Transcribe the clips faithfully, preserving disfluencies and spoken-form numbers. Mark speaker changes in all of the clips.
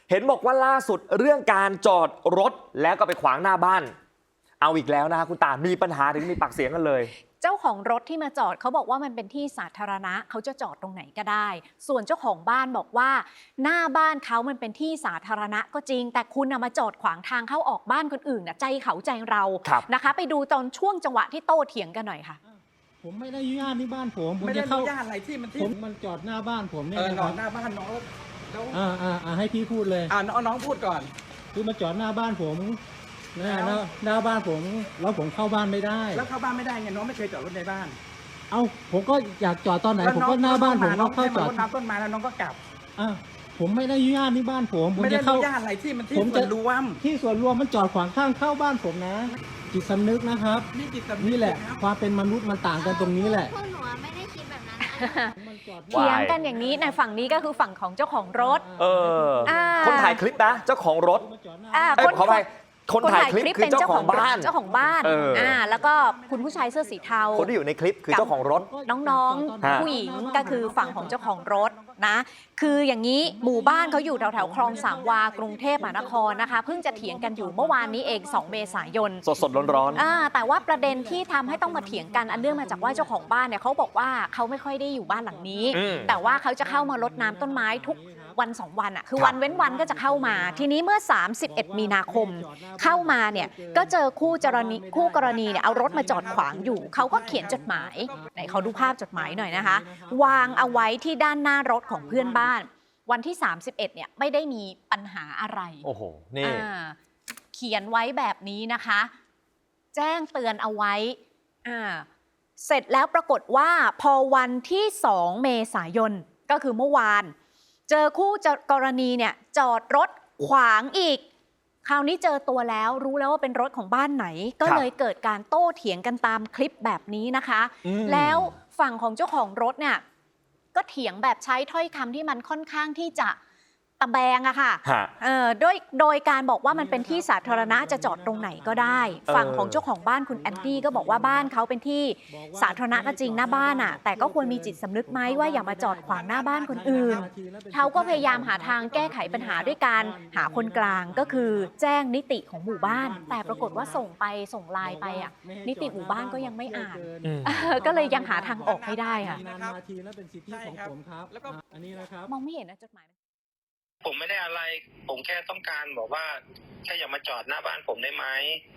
Speaker 1: เห็นบอกว่าล่าสุดเรื่องการจอดรถแล้วก็ไปขวางหน้าบ้านเอาอีกแล้วนะคุณตามีปัญหาถึงมีปากเสียงกันเลย
Speaker 2: เจ้าของรถที่มาจอดเขาบอกว่ามันเป็นที่สาธารณะเขาจะจอดตรงไหนก็ได้ ส่วนเจ้าของบ้านบอกว่าหน้าบ้านเขามันเป็นที่สาธารณะก็จริงแต่คุณมาจอดขวางทางเข้าออกบ้านคนอื่นนะใจเขาใจเรานะคะไปดูตอนช่วงจังหวะที่โต้เถียงกันหน่อยค่ะ
Speaker 3: ผมไม่ได้อนุญาตที่บ้านผมผม
Speaker 4: ไม่ได้
Speaker 3: จะ
Speaker 4: อ
Speaker 3: เข้า
Speaker 4: นุญาตอะไรที่มันที่
Speaker 3: ผมมันจอดหน้าบ้านผมเนี่ย
Speaker 4: เออ
Speaker 3: นะ
Speaker 4: น
Speaker 3: ค
Speaker 4: อ
Speaker 3: รั
Speaker 4: น
Speaker 3: บ
Speaker 4: หน้าบ้านน้องแล้ว
Speaker 3: อ่าอ่าอ่าให้พี่พูดเลย
Speaker 4: อ่าน้องน้องพูดก่อน
Speaker 3: คือมาจอดหน้าบ้านผมนะ
Speaker 4: แล้ว
Speaker 3: หน้าหน้าบ้านผมแล้วผมเข้าบ้านไม่ได้
Speaker 4: แล้วเข้าบ้านไม่ได้ไงน้องไม่เคยจอดรถในบ้าน
Speaker 3: เอ้าผมก็อยากจอดตอนไหน
Speaker 4: แล้ว
Speaker 3: ผม
Speaker 4: น้อง
Speaker 3: ก็หน้าบ้านผม
Speaker 4: น้
Speaker 3: ก็
Speaker 4: อง
Speaker 3: เข้าจอด
Speaker 4: รดน้ำต้นไม้แล้วน้องก็กลับ
Speaker 3: อ่าผมไม่ได้อนุญาตที่บ้านผมผม
Speaker 4: ไม่ได้
Speaker 3: จะ
Speaker 4: อ
Speaker 3: เข้า
Speaker 4: นุญาตอะไรที่มันที่
Speaker 3: ผม
Speaker 4: ส่
Speaker 3: จะ
Speaker 4: วนรวม
Speaker 3: ที่ส่วนรวมมันจอดขวางข้างเข้าบ้านผมนะจิตสำนึกนะครับ
Speaker 4: นี่จิตสำนึก
Speaker 3: นี่แหละ
Speaker 4: ครับ
Speaker 3: ความเป็นมนุษย์มันต่างกันตรงนี้แหละ
Speaker 5: พวกหนูอะไม่ได้คิดแบบนั้นนะ
Speaker 3: มันจอด
Speaker 2: เถียงกันอย่างนี้ในฝั่งนี้ก็คือฝั่งของเจ้าของรถ
Speaker 1: เออ
Speaker 2: อ่า
Speaker 1: คนถ่ายคลิปนะเจ้าของรถ
Speaker 3: มาจอดหน้า
Speaker 2: อ่า
Speaker 1: เอ้ย
Speaker 2: คน
Speaker 1: ขอไปคนถ่ายคลิปคือเจ้าของบ้าน
Speaker 2: เจ้าของบ้าน
Speaker 1: เอออ่
Speaker 2: อ่าแล้วก็คุณผู้ชายเสื้อสีเทา
Speaker 1: คนที่อยู่ในคลิปคือเจ้าของรถ
Speaker 2: น้อง
Speaker 1: ฮะ
Speaker 2: ๆ ผู้หญิงก็คือฝั่งของเจ้าของรถนะ คืออย่างนี้หมู่บ้านเขาอยู่แถวๆคลองสามวากรุงเทพมหานครนะคะเพิ่งจะเถียงกันอยู่เมื่อวานนี้เองสองเมษายน
Speaker 1: สดสดร้อนร้อนๆ
Speaker 2: อ่าแต่ว่าประเด็นที่ทำให้ต้องมาเถียงกันอันเนื่องมาจากว่าเจ้าของบ้านเนี่ยเขาบอกว่าเขาไม่ค่อยได้อยู่บ้านหลังนี้
Speaker 1: อืม
Speaker 2: แต่ว่าเขาจะเข้ามารดน้ำต้นไม้ทุกวันสองวันอ่ะคือ
Speaker 1: ครับ
Speaker 2: วันเว้นวันก็จะเข้ามา ทีนี้เมื่อ สามสิบเอ็ด มีนาคม เข้ามาเนี่ยก็เจอคู่กรณีคู่กรณีเนี่ยเอารถมาจอดขวางอยู่เขาก็เขียนจดหมายไหนเขาดูภาพจดหมายหน่อยนะคะ วางเอาไว้ที่ด้านหน้ารถของเพื่อนบ้าน วันที่ สามสิบเอ็ด เนี่ยไม่ได้มีปัญหาอะไร
Speaker 1: โอ้โหนี่
Speaker 2: อ่าเขียนไว้แบบนี้นะคะ แจ้งเตือนเอาไว้อ่าเสร็จแล้วปรากฏว่าพอวันที่ สอง เมษายนก็คือเมื่อวาน เจอคู่กรณีเนี่ยจอดรถขวางอีก คราวนี้เจอตัวแล้วรู้แล้วว่าเป็นรถของบ้านไหน ก็เลยเกิดการโต้เถียงกันตามคลิปแบบนี้นะคะ
Speaker 1: อืม
Speaker 2: แล้วฝั่งของเจ้าของรถเนี่ยก็เถียงแบบใช้ถ้อยคำที่มันค่อนข้างที่จะตะแบงอะค่ะ
Speaker 1: ฮะ
Speaker 2: เอ่อโดยโดยการบอกว่ามันเป็นที่สาธารณะจะจอดตรงไหนก็ได้
Speaker 1: เออ
Speaker 2: ฝั่งของเจ้าของบ้านคุณแอนดี้ก็บอกว่าบ้านเขาเป็นที่สาธารณะก็จริงหน้าบ้านอะแต่ก็ควรมีจิตสำนึกไหมว่าอย่ามาจอดขวางหน้าบ้านคนอื่น เขาก็พยายามหาทางแก้ไขปัญหาด้วยการหาคนกลางก็คือแจ้งนิติของหมู่บ้าน แต่ปรากฏว่าส่งไปส่งไลน์ไปอะนิติหมู่บ้านก็ยังไม่อ่าน
Speaker 1: อืม
Speaker 2: เออก็เลยยังหาทางออกไม่ได้ค่ะ
Speaker 3: นานมาทีแล้วเป็นสิทธิของผมครับ
Speaker 4: แล้วก็
Speaker 3: อ่ะอันนี้นะครับ
Speaker 2: มองไม่เห็นนะจดหมาย
Speaker 6: ผมไม่ได้อะไร ผมแค่ต้องการบอกว่าแค่อย่ามาจอดหน้าบ้านผมได้ไหม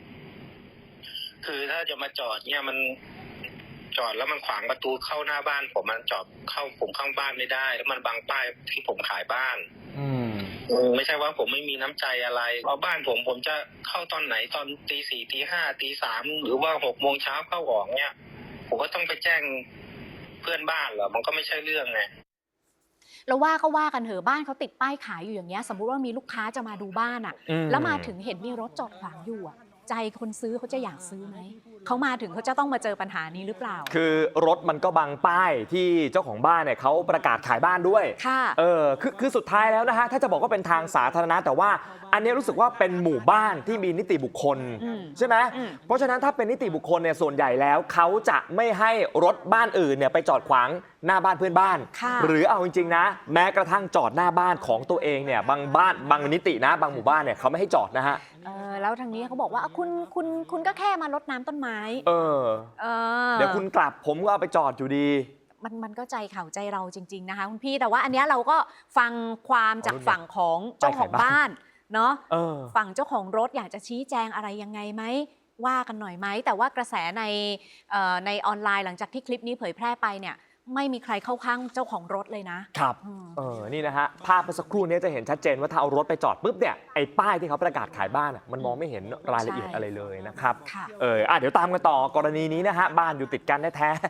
Speaker 6: คือถ้าจะมาจอดเนี่ยมันจอดแล้วมันขวางประตูเข้าหน้าบ้าน ผมมันจอดเข้าผมเข้าบ้านไม่ได้ แล้วมันบังป้ายที่ผมขายบ้าน
Speaker 1: อืม
Speaker 6: เออไม่ใช่ว่าผมไม่มีน้ำใจอะไรเพราะบ้านผมผมจะเข้าตอนไหนตอนตีสี่ตีห้าตีสามหรือว่าหกโมงเช้าเข้าออกเนี่ย ผมก็ต้องไปแจ้งเพื่อนบ้านเหรอมันก็ไม่ใช่เรื่องไง
Speaker 2: แล้วว่าก็ว่ากันเถอะบ้านเขาติดป้ายขายอยู่อย่างเงี้ยสมมุติว่ามีลูกค้าจะมาดูบ้านอ่ะ
Speaker 1: อืม
Speaker 2: แล้วมาถึงเห็นมีรถจอดขวางอยู่อ่ะ ใจคนซื้อเขาจะอยากซื้อไหมเขามาถึงเขาจะต้องมาเจอปัญหานี้หรือเปล่า
Speaker 1: คือรถมันก็บังป้ายที่เจ้าของบ้านเนี่ยเขาประกาศขายบ้านด้วย
Speaker 2: ค่ะ
Speaker 1: เออคือคือสุดท้ายแล้วนะฮะถ้าจะบอกว่าเป็นทางสาธารณะแต่ว่าอันนี้รู้สึกว่าเป็นหมู่บ้านที่มีนิติบุคคล
Speaker 2: อืม
Speaker 1: ใช่ไหม
Speaker 2: อืม
Speaker 1: เพราะฉะนั้นถ้าเป็นนิติบุคคลเนี่ยส่วนใหญ่แล้วเขาจะไม่ให้รถบ้านอื่นเนี่ยไปจอดขวางหน้าบ้านเพื่อนบ้าน
Speaker 2: ค่ะ
Speaker 1: หรือเอาจริงๆนะ แม้กระทั่งจอดหน้าบ้านของตัวเองเนี่ยบางบ้านบางนิตินะบางหมู่บ้านเนี่ยเขาไม่ให้จอดนะฮะ
Speaker 2: เออแล้วทางนี้เขาบอกว่าอ่ะคุณคุณคุณก็แค่มารดน้ำต้นไม้
Speaker 1: เออ
Speaker 2: เออ
Speaker 1: เดี๋ยวคุณกลับผมก็เอาไปจอดอยู่ดี
Speaker 2: มันมันก็ใจเขาใจเราจริง ๆนะคะคุณพี่แต่ว่าอันเนี้ยเราก็ฟังความจากฝั่งของเจ้าของบ้านเนาะ
Speaker 1: เออ
Speaker 2: ฝั่งเจ้าของรถอยากจะชี้แจงอะไรยังไงไหมว่ากันหน่อยไหมแต่ว่ากระแสในเอ่อในออนไลน์หลังจากที่คลิปนี้เผยแพร่ไปเนี่ยไม่มีใครเข้าข้างเจ้าของรถเลยนะครับ อืม
Speaker 1: เออ นี่นะฮะ ภาพเมื่อสักครู่นี้จะเห็นชัดเจนว่าถ้าเอารถไปจอดปุ๊บเนี่ย ไอ้ป้ายที่เขาประกาศขายบ้านอะมันมองไม่เห็นรายละเอียดอะไรเลยนะครับ
Speaker 2: ค่ะ
Speaker 1: เอออ่ะเดี๋ยวตามกันต่อกรณีนี้นะฮะ บ้านอยู่ติดกันแท้ๆ